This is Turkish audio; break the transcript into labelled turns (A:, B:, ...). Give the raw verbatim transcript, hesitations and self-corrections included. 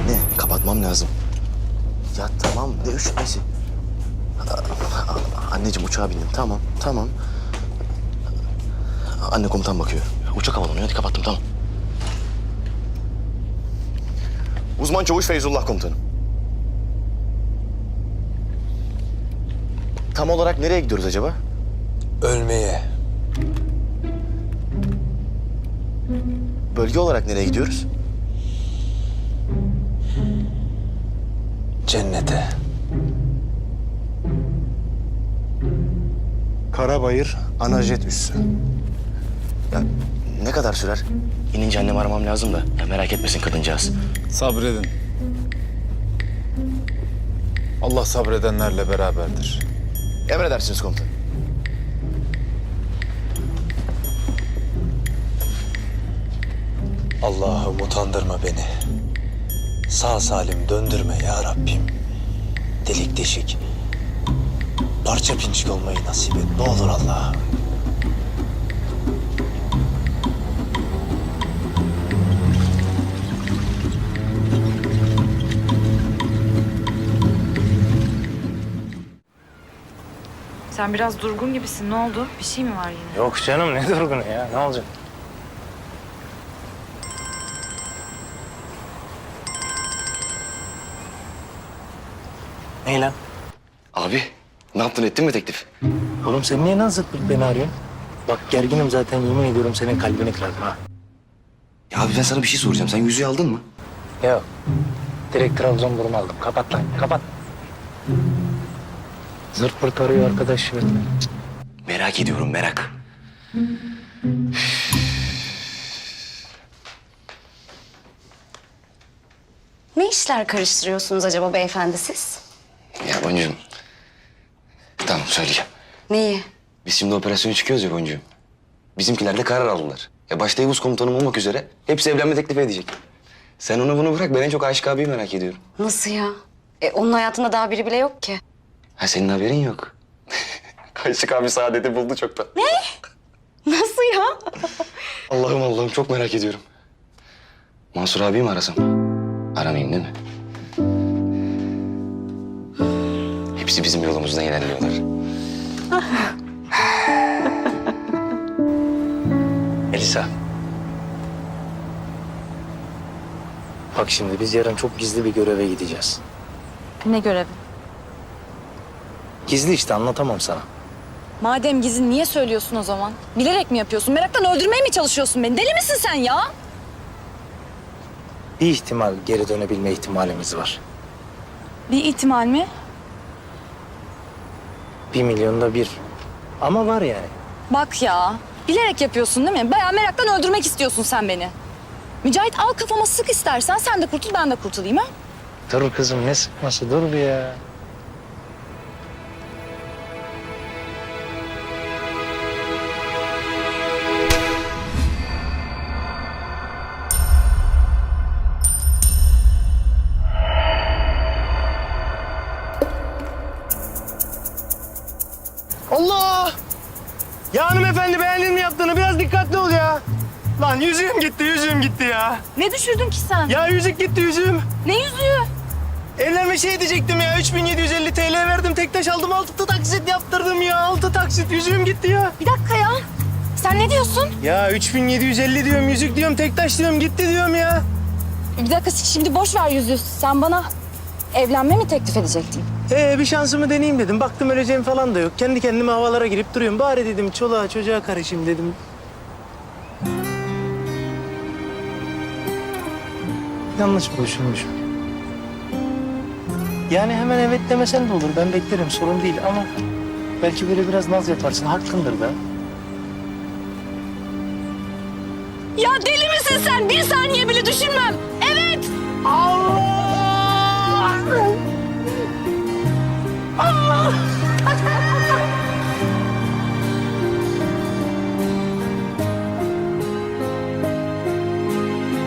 A: Anne, kapatmam lazım. Ya tamam, ne üşütmesi? Anneciğim uçağa bindim, tamam, tamam. Anne komutan bakıyor. Uçak havalanıyor, hadi kapattım, tamam. Uzman Çavuş Feyzullah komutanım. Tam olarak nereye gidiyoruz acaba?
B: Ölmeye.
A: Bölge olarak nereye gidiyoruz?
B: Cennete.
C: Karabayır, Anajet üssü.
A: Ya ne kadar sürer? İnince annemi aramam lazım da. Ya merak etmesin kadıncağız.
D: Sabredin. Allah sabredenlerle beraberdir.
A: Emredersiniz komutanım.
B: Allah'ım utandırma beni. Sağ salim döndürme ya Rabbim. Delik deşik. Parça pinçik olmayı nasip et. Ne olur Allah'ım.
E: Sen biraz durgun gibisin. Ne oldu? Bir şey mi var yine?
C: Yok canım, ne durgunu ya, ne olacak? Ne lan?
A: Abi, ne yaptın, ettin mi teklif?
C: Oğlum sen niye lan zıt pırt beni arıyorsun? Bak gerginim zaten, yemin ediyorum senin kalbini kırarım ha.
A: Ya abi ben sana bir şey soracağım. Sen yüzüğü aldın mı?
C: Yok. Direkt Trabzonburnu aldım. Kapat lan, kapat. Zırt pırt arıyor arkadaş ya.
A: Merak ediyorum, merak.
F: Ne işler karıştırıyorsunuz acaba beyefendi siz?
A: Ya Boncuğum. Tamam söyleyeceğim.
F: Neyi?
A: Biz şimdi operasyona çıkıyoruz ya Boncuğum. Bizimkiler de karar aldılar. Ya başta Yavuz komutanım olmak üzere hepsi evlenme teklifi edecek. Sen onu bunu bırak, ben en çok Aşık abiyi merak ediyorum.
F: Nasıl ya? E, onun hayatında daha biri bile yok ki.
A: Ha senin haberin yok. Aşık abi saadeti buldu çoktan.
F: Nasıl ya?
A: Allah'ım Allah'ım çok merak ediyorum. Mansur abiyi mi arasam? Aramayayım değil mi? Hepsi bizim yolumuzdan ilerliyorlar.
C: Elisa. Bak şimdi biz yarın çok gizli bir göreve gideceğiz.
E: Ne görevi?
C: Gizli işte, anlatamam sana.
E: Madem gizli niye söylüyorsun o zaman? Bilerek mi yapıyorsun? Meraktan öldürmeye mi çalışıyorsun beni? Deli misin sen ya?
C: Bir ihtimal geri dönebilme ihtimalimiz var.
E: Bir ihtimal mi?
C: Bir milyonda bir. Ama var yani.
E: Bak ya. Bilerek yapıyorsun değil mi? Bayağı meraktan öldürmek istiyorsun sen beni. Mücahit al kafama sık istersen. Sen de kurtul, ben de kurtulayım ha?
C: Dur kızım, ne sıkması, dur bir ya. Allah! Ya hanımefendi, beğendin mi yaptığını? Biraz dikkatli ol ya. Lan yüzüğüm gitti, yüzüğüm gitti ya.
E: Ne düşürdün ki sen?
C: Ya yüzük gitti, yüzüğüm.
E: Ne yüzüğü?
C: Evlenme şey diyecektim ya. üç bin yedi yüz elli T L verdim. Tek taş aldım. Altı taksit yaptırdım ya. Altı taksit. Yüzüğüm gitti ya.
E: Bir dakika ya. Sen ne diyorsun?
C: Ya üç bin yedi yüz elli diyorum. Yüzük diyorum. Tek taş diyorum. Gitti diyorum ya.
E: Bir dakika şimdi boş ver yüzüğü. Sen bana evlenme mi teklif edecektin?
C: Ee bir şansımı deneyeyim dedim. Baktım öleceğim falan da yok. Kendi kendime havalara girip duruyorum. Bari dedim çoluğa çocuğa karışayım dedim. Yanlış mı düşünmüşüm? Yani hemen evet demesen de olur. Ben beklerim. Sorun değil ama belki böyle biraz naz yaparsın. Hakkındır da.
E: Ya deli misin sen? Bir saniye bile düşünmem. Evet.
C: Allah! Allah!